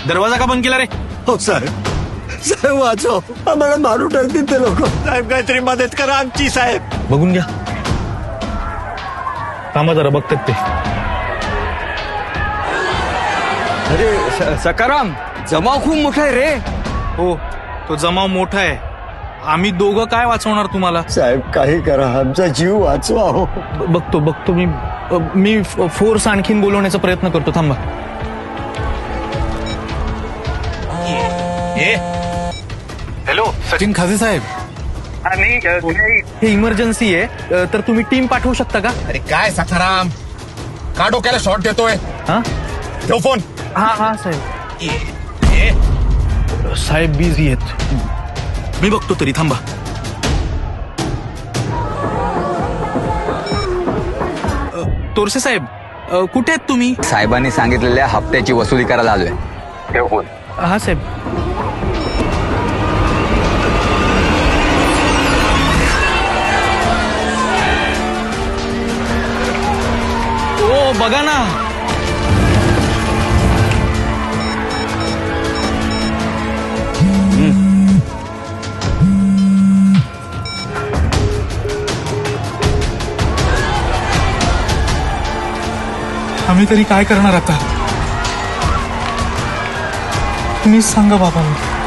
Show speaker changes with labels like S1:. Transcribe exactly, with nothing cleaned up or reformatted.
S1: दरवाजा का बंद केला रे?
S2: हो साहेब, साहेब वाचव, आम्हाला मारू टाकतील ते लोक. साहेब काहीतरी मदत करा आमची साहेब.
S1: बघून घ्या. थांबा जरा बघतात ते.
S3: अरे सकाराम, जमाव खूप मोठा आहे रे.
S1: हो, तो जमाव मोठा आहे. आम्ही दोघं काय वाचवणार तुम्हाला?
S2: साहेब काही करा, आमचा जीव वाचवा. हो
S1: ब- बघतो बघतो मी मी फोर्स आणखीन बोलवण्याचा प्रयत्न करतो. थांबा.
S4: हॅलो
S5: सचिन खाजे साहेब,
S1: हे इमर्जन्सी आहे, अ, तर तुम्ही टीम पाठवू शकता का?
S5: अरे काय सखाराम, का डोक्याला शॉट देतोय?
S1: हा
S5: ठेव फोन.
S1: हा हा साहेब. साहेब बिझी आहेत. मी बघतो तरी. थांबा. अ, तोरसे साहेब, अ, कुठे आहेत तुम्ही?
S3: साहेबांनी सांगितलेल्या हप्त्याची वसुली करायला आलोय. ठेव फोन.
S1: हा साहेब. ओ बघा ना.
S6: आम्ही तरी काय करणार आता? तुम्हीच सांगा बाबा.